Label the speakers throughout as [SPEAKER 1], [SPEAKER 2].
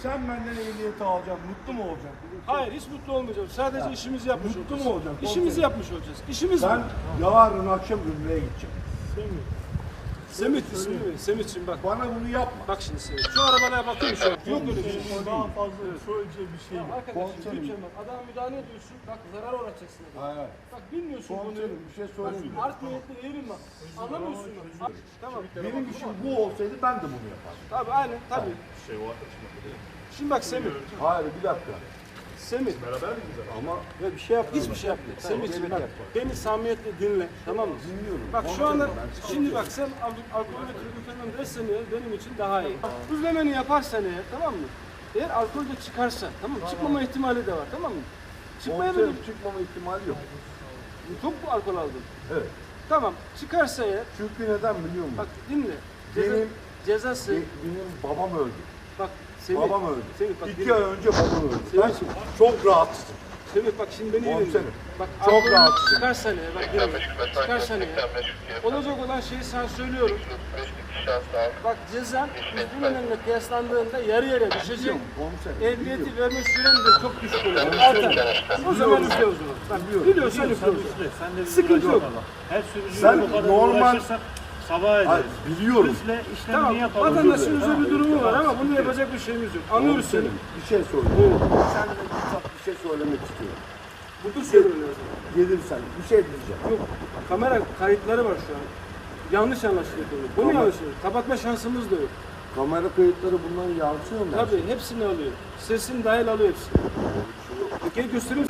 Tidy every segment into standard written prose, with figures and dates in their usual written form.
[SPEAKER 1] Sen benden ehliyeti alacaksın, mutlu mu olacaksın?
[SPEAKER 2] Hayır, hiç mutlu olmayacağım. Sadece işimizi yapmış
[SPEAKER 1] Mutlu
[SPEAKER 2] olacağız.
[SPEAKER 1] mu olacaksın?
[SPEAKER 2] İşimizi yapmış olacağız. İşimiz
[SPEAKER 1] Ben
[SPEAKER 2] mi?
[SPEAKER 1] yarın akşam Ümre'ye gideceğim.
[SPEAKER 2] Semit ismi mi? Semit'ciğim bak.
[SPEAKER 1] Bana bunu yapma.
[SPEAKER 2] Bak şimdi Semit. Şu arabaya bakayım şu an. Yok öyle bir şey.
[SPEAKER 3] Daha fazla söyleyeceği bir şey yok.
[SPEAKER 2] Arkadaşım
[SPEAKER 1] Komiserim.
[SPEAKER 2] lütfen bak. Adama müdahale ediyorsun. Bak zarar uğratacaksın adama.
[SPEAKER 1] Hayır.
[SPEAKER 2] Bak bilmiyorsun bunu.
[SPEAKER 1] Komiserim bir şey söyleyeyim.
[SPEAKER 2] Art niyetli değilim bak. Anlamıyorsun bak. Tamam.
[SPEAKER 1] Benim işim bu olsaydı ben de bunu yapardım.
[SPEAKER 2] Tabii aynen tabii. Şimdi bak Semit.
[SPEAKER 1] Hayır bir dakika.
[SPEAKER 2] Semit.
[SPEAKER 1] Ama
[SPEAKER 2] Ve bir şey yap. Hiçbir şey yapma. Semit bak. Beni samimiyetle dinle. Tamam mı?
[SPEAKER 1] dinliyorum.
[SPEAKER 2] Bak şu anda şimdi bak sen alkolü kırmızı dersen eğer benim için daha iyi. Düzlemeni yaparsan eğer tamam mı? Eğer alkol de çıkarsa tamam mı? Çıkmama ihtimali de var tamam mı? Çıkmayabilir.
[SPEAKER 1] Komiserim çıkmama ihtimali yok.
[SPEAKER 2] Çok mu alkol aldın?
[SPEAKER 1] Evet.
[SPEAKER 2] Tamam çıkarsa eğer
[SPEAKER 1] Çünkü neden biliyor musun?
[SPEAKER 2] bak dinle. Ceza,
[SPEAKER 1] Benim-
[SPEAKER 2] cezası
[SPEAKER 1] Benim babam öldü.
[SPEAKER 2] bak Semih.
[SPEAKER 1] Babam öldü.
[SPEAKER 2] Semih bak
[SPEAKER 1] 2 ay önce babam öldü. Ben
[SPEAKER 2] Semih.
[SPEAKER 1] çok rahatsızım.
[SPEAKER 2] Semih bak şimdi beni iyi dinle.
[SPEAKER 1] Komiserim,
[SPEAKER 2] Bak
[SPEAKER 1] çok
[SPEAKER 2] alkolü
[SPEAKER 1] rahatsızım.
[SPEAKER 2] çıkarsa ne? Bak dinle. Çıkarsa ne? Olacak olan şeyi sana söylüyorum. Bak cezan üstüne kıyaslandığında yarı yarıya düşecek.
[SPEAKER 1] Komiserim.
[SPEAKER 2] Ehliyeti verme süren de çok düşük olacak. Artar. O zaman üfle o zaman. Bak biliyorsan üfle o zaman. Sıkıntı yok.
[SPEAKER 3] Her sürücüyle
[SPEAKER 1] Sen
[SPEAKER 3] bu kadar
[SPEAKER 1] normal-
[SPEAKER 3] uğraşırsak sabah
[SPEAKER 1] Hayır,
[SPEAKER 3] ederiz.
[SPEAKER 1] biliyorum.
[SPEAKER 3] Üfle işlemini
[SPEAKER 2] Tamam
[SPEAKER 3] yapalım.
[SPEAKER 2] vatandaşın özel bir durumu var ama bunu yapacak bir şeyimiz yok. Anlıyoruz seni.
[SPEAKER 1] Komiserim, bir şey söyleyeyim. Sen de bir şey söylemek istiyorum.
[SPEAKER 2] Burada söylüyorum lazım.
[SPEAKER 1] Gelirsen bir şey diyeceğim.
[SPEAKER 2] Yok kamera kayıtları var şu an. Yanlış anlaşılıyor. Bunu
[SPEAKER 1] Tamam.
[SPEAKER 2] yanlış anlaşılıyor. Kapatma şansımız da yok.
[SPEAKER 1] Kamera kayıtları bunları yansıyor mu?
[SPEAKER 2] Tabii hepsini alıyor. Sesin dahil alıyor hepsini. Gel göstereyim.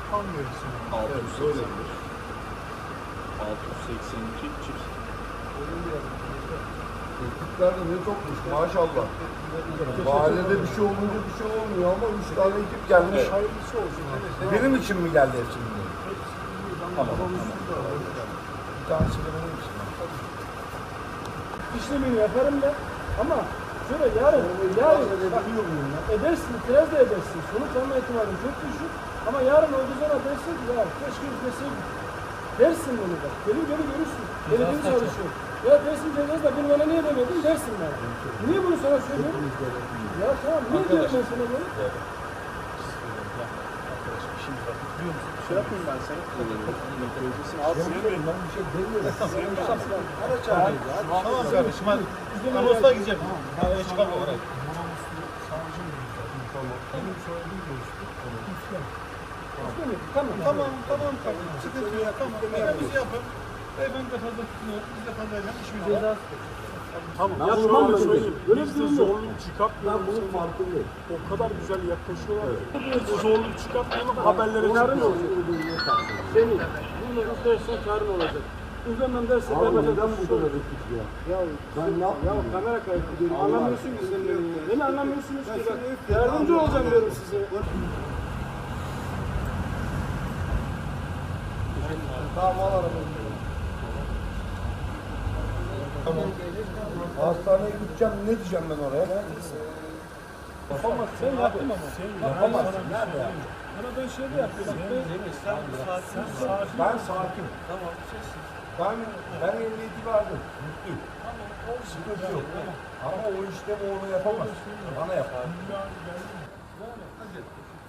[SPEAKER 3] 682 çift.
[SPEAKER 1] Ekipler de ne çokmuş maşallah. Mahallede bir şey olunca bir şey olmuyor ama 3 tane ekip gelmiş.
[SPEAKER 3] Hayırlısı olsun.
[SPEAKER 1] Benim için mi geldi hepsi bunlar? Tamam. Bir tanesi de benim için.
[SPEAKER 2] İşlemini yaparım da ama şöyle yarın bak,
[SPEAKER 1] Biliyor muyum ya?
[SPEAKER 2] edersin, itiraz da edersin. Sonuç alma ihtimalin çok düşük. Ama yarın olduğu zaman dersin ki ya keşke üfleseydik. Dersin bunu bak. Gelin görürsün. Belediye çalışıyor. Ya dersin cezası da bunu bana niye demedin dersin bana. Niye bunu sana söylüyorum? Ya tamam niye diyorum ben sana bunu?
[SPEAKER 3] Şey yapayım ben sana.
[SPEAKER 1] Ben bir şey demiyorum.
[SPEAKER 3] Tamam kardeşim hadi. Anons'a gideceğim. Hadi çıkalım olarak.
[SPEAKER 1] Benim söylediğim görüştü.
[SPEAKER 2] Tamam.
[SPEAKER 3] Tamam. Sıkıntı yok. Tamam. Biz yapın. Beyefendi de fazla tutmuyor. Biz de fazla yapalım. İşimizi yapalım.
[SPEAKER 2] Tamam.
[SPEAKER 3] Ya
[SPEAKER 2] Ya
[SPEAKER 3] şöyle
[SPEAKER 2] tamam
[SPEAKER 3] söyleyeyim.
[SPEAKER 2] Böyle
[SPEAKER 3] Biz
[SPEAKER 2] bir
[SPEAKER 3] de
[SPEAKER 2] durum yok.
[SPEAKER 3] zorluk çıkartmıyoruz.
[SPEAKER 1] Ben bunun farkındayım.
[SPEAKER 3] O kadar güzel yaklaşıyorlar ki. Zorluk çıkartmayalım. Haberlere
[SPEAKER 2] Yarın
[SPEAKER 3] çıkıyor.
[SPEAKER 2] olacak. Senin. Bunu üflersen karın olacak. Üflemem derse
[SPEAKER 1] Abi
[SPEAKER 2] ben
[SPEAKER 1] neden bu kadar ekip ya? Ben ne
[SPEAKER 2] Ya
[SPEAKER 1] yapayım?
[SPEAKER 2] kamera kaydı diyorum. Anlamıyorsun ki sen beni. Beni anlamıyorsunuz ki bak. Yardımcı olacağım diyorum size.
[SPEAKER 1] Tamam al arabayı. Tamam. Hastaneye gideceğim, ne diyeceğim ben oraya?
[SPEAKER 2] Yapamaz. Sen yaptın ama.
[SPEAKER 1] Yapamazsın, nerede ya?
[SPEAKER 2] Ama ben şöyle yapıyorum.
[SPEAKER 1] Ben sakin. Tamam. Ben ehliyeti verdim. Mutluyum. Sıkıntı yok. Ama o işlemi onu yapamaz. Bana yapar.